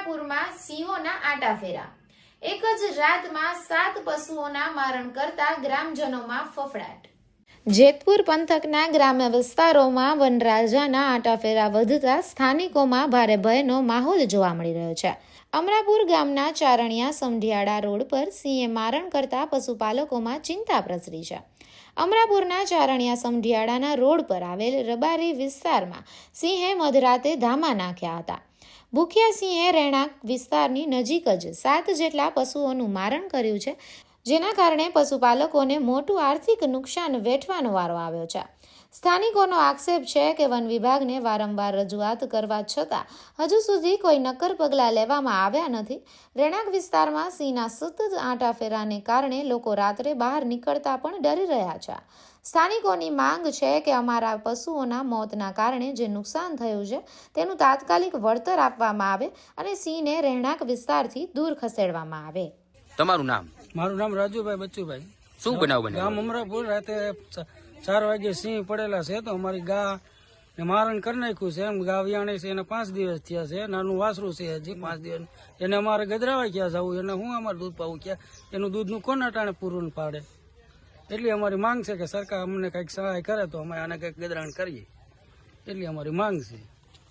અમરાપુરમાં સિંહોના આટાફેરા। એક જ રાતમાં 7 પશુઓના મારણ કરતા ગ્રામજનોમાં ફફડાટ। જેતપુર પંથકના ગ્રામ્ય વિસ્તારોમાં વનરાજાના આટાફેરા વધતા સ્થાનિકોમાં ભારે ભયનો માહોલ જોવા મળી રહ્યો છે। અમરાપુર ગામના ચારણિયા સમઢિયાળા રોડ પર સિંહે મારણ કરતા પશુપાલકોમાં ચિંતા પ્રસરી છે। અમરાપુરના ચારણિયા સમઢિયાળાના રોડ પર આવેલ રબારી વિસ્તારમાં સિંહે મધરાતે ધામા નાખ્યા હતા। ભૂખ્યા સિંહે રહેણાંક વિસ્તારની નજીક જ 7 જેટલા પશુઓનું મારણ કર્યું છે, જેના કારણે પશુપાલકોને મોટું આર્થિક નુકસાન વેઠવાનો વારો આવ્યો છે। સ્થાનિકોનો આક્ષેપ છે કે વન વિભાગને વારંવાર રજૂઆત કરવા છતાં હજુ સુધી કોઈ નક્કર પગલાં લેવામાં આવ્યા નથી। રહેણાંક વિસ્તારમાં સિંહના સતત આંટાફેરાને કારણે લોકો રાત્રે બહાર નીકળતા પણ ડરી રહ્યા છે। સ્થાનિકોની માંગ છે કે અમારા પશુઓના મોતના કારણે જે નુકસાન થયું છે તેનું તાત્કાલિક વળતર આપવામાં આવે અને સિંહને રહેણાંક વિસ્તારથી દૂર ખસેડવામાં આવે। તમારું નામ? મારું નામ રાજુભાઈ બચ્ચુભાઈ। શું બનાવ બન્યો? ગામ અમરાપુર રાતે 4 વાગે સિંહ પડેલા છે, તો અમારી ગા ને મારણ કરી નાખ્યું છે। એમ ગા વિયાણી છે, એને 5 દિવસ થયા છે। નાનું વાસરું છે હજી 5 દિવસ, એને અમારે ગજરાવા ક્યાં જવું, એને હું અમારે દૂધ પાવું ક્યાં, એનું દૂધનું કોણ અટાણે પૂરું પાડે। એટલી અમારી માંગ છે કે સરકાર અમને કંઈક સહાય કરે તો અમે આને કંઈક ગજરાણ કરીએ, એટલી અમારી માંગ છે।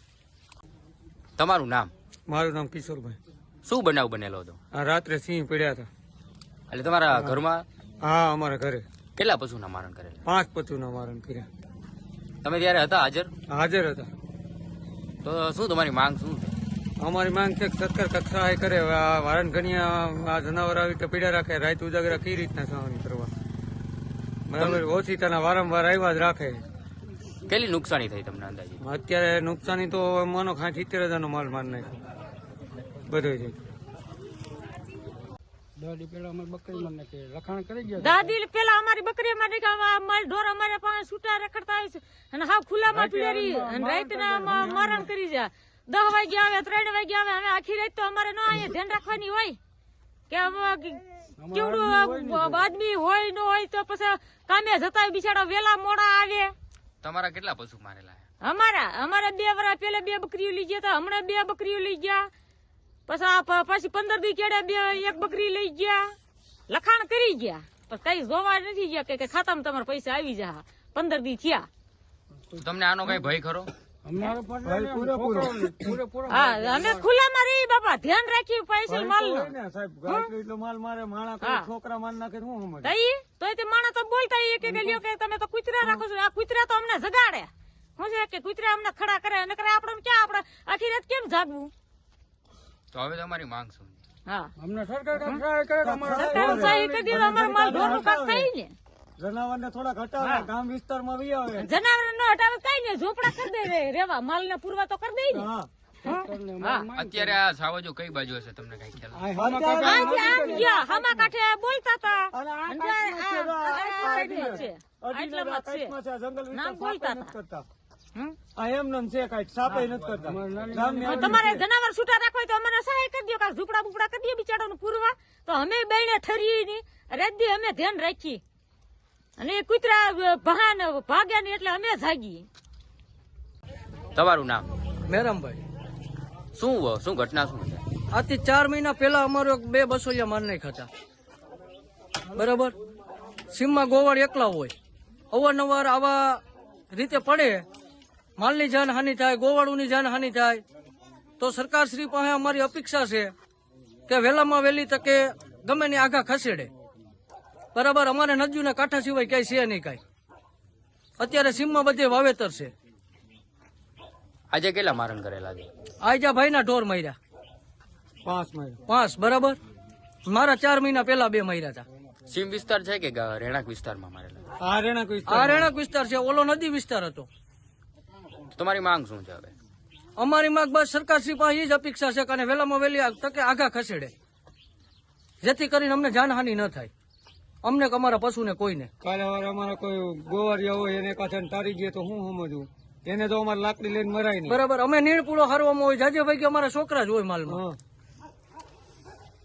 તમારું નામ? મારું નામ કિશોરભાઈ। શું બનાવ બનેલો હતો? આ રાત્રે સિંહ પડ્યા હતા। એટલે તમારા ઘરમાં? હા, અમારા ઘરે કેટલા પશુના મારણ કરેલા? 5 પશુના મારણ કર્યા। તમે ત્યારે હતા હાજર? હાજર હતા। તો શું તમારી માંગ શું છે? અમારી માંગ છે કે સરકાર કંઈક સહાય કરે। હવે આ વારણ ઘણીયા આ જનાવર આવી રીતે પીડા રાખે, રાત ઉજાગરા કઈ રીતના સહન કરવા, બરાબર? ઓછી તેના વારંવાર આવ્યા જ રાખે। કેટલી નુકસાની થઈ તમને અંદાજે? અત્યારે નુકસાની તો માનો 70,000 નો માલ માર નાખ્યો બધો છે। દાદી પેલા અમારી બકરી મને કે લખાણ કરી ગયા, દાદી પેલા અમારી બકરી અમારી માલ ઢોર અમારે પાસે છૂટા રખડતા હોય છે અને હાવ ખુલ્લામાં પીડેરી અને રાતના મરણ કરી જાય। 10 વાગે આવે, 3 વાગે આવે, અમે આખી રાત તો અમારે ન અહીંયા ધ્યાન રાખવાની હોય કે કેવડું આદમી હોય ન હોય તો પછી કામે જતા બિચારા વેલા મોડા આવે। તમારા કેટલા પશુ મારેલા? અમારા 2 વર્ષ પેલા 2 બકરીઓ લઈ ગયા હતા, હમણાં 2 બકરીઓ લઈ ગયા, પછી 15 દી કેડે 1 બકરી લઈ ગયા, લખાણ કરી ગયા, પણ કઈ જોવા નથી ગયા કે ખાતામાં તમારા પૈસા આવી જા। 15 દી થયા। તમને આનો કઈ ભય ખરો? હા, અમે ખુલ્લામાં રહી બાપા, ધ્યાન રાખી પૈસા માલ એટલો માલ મારે માણા છોકરા માર નાખે હું સમજ તો તે માણસ તો બોલતા કે લ્યો કે તમે તો કૂતરા રાખો છો। આ કૂતરા તો અમને જગાડે, શું છે કે કૂતરા અમને ખડા કરે અને કરે આપણે ક્યાં આપણે આખી રાત કેમ જાગવું? તો હવે તમારી માંગ શું? હા, અમને સરકાર સહાય કરે તો સરકાર સહાય કરી દે તો અમારો માલ ઢોરનું કામ થાય ને। જનાવર ને થોડા ઘટાડે, ગામ વિસ્તારમાં વી આવે, જનાવર નો હટાવે કઈ ને ઝોપડા કરી દે રેવા, માલ ને પૂરવા તો કરી દે ને। અત્યારે આ સાવજો કઈ બાજુ હશે તમને કઈ ખ્યાલ? આમ ગયા હામા કાંઠે બોલતા હતા, તમારે જનાવર છૂટા રાખવા તો અમને સહાય કરી દો, ઝૂપડા બુપડા કરી દો બિચારાનું પૂરવા, તો અમે બેને ઠરીએ ની રાત દી અમે ધ્યાન રાખીએ અને કૂતરા ભાગ્યા ની એટલે અમે જાગીએ। તમારું નામ? મેરામભાઈ। શું ઘટના શું છે? આથી 4 મહિના પહેલા અમારો 2 બસોલિયા માર નાખ્યા હતા, બરાબર? સીમમાં ગોવાળ એકલા હોય, અવારનવાર આવા રીતે પડે, માલની જાનહાનિ થાય, ગોવાળુની જાનહાનિ થાય, તો સરકારશ્રી પાસે અમારી અપેક્ષા છે કે વહેલામાં વહેલી તકે ગમે ને આગા ખસેડે, બરાબર? અમારે નદીના કાંઠા સિવાય ક્યાંય છે નહીં કાંઈ। અત્યારે સીમમાં બધે વાવેતર છે। આજે કેટલા મારણ કરેલા છે? આજા ભાઈના ઢોર માર્યા 5, બરાબર? મારા 4 મહિના પહેલા 2 માર્યા હતા। સીમ વિસ્તાર છે કે રહેણાંક વિસ્તારમાં મારેલા? આ રહેણાંક વિસ્તાર છે, ઓલો નદી વિસ્તાર હતો। તમારી માંગ શું છે હવે? અમારી માંગ બસ સરકારશ્રી પાસે એ જ અપેક્ષા છે કે વહેલામાં વહેલી તકે આગા ખસેડે, જેથી કરીને અમને જાનહાનિ ન થાય, અમને કે અમારા પશુને કોઈને। કાલે અમારા કોઈ ગોવારિયા હોય એને પાછળ તારી ગયે તો હું સમજવું, એને તો અમારે લાકડી લઈને મરાય નહીં, બરાબર? અમે નીણ પૂળો હારવામાં હોય, જાજે ભાઈ કે અમારા છોકરા જ હોય માલમાં,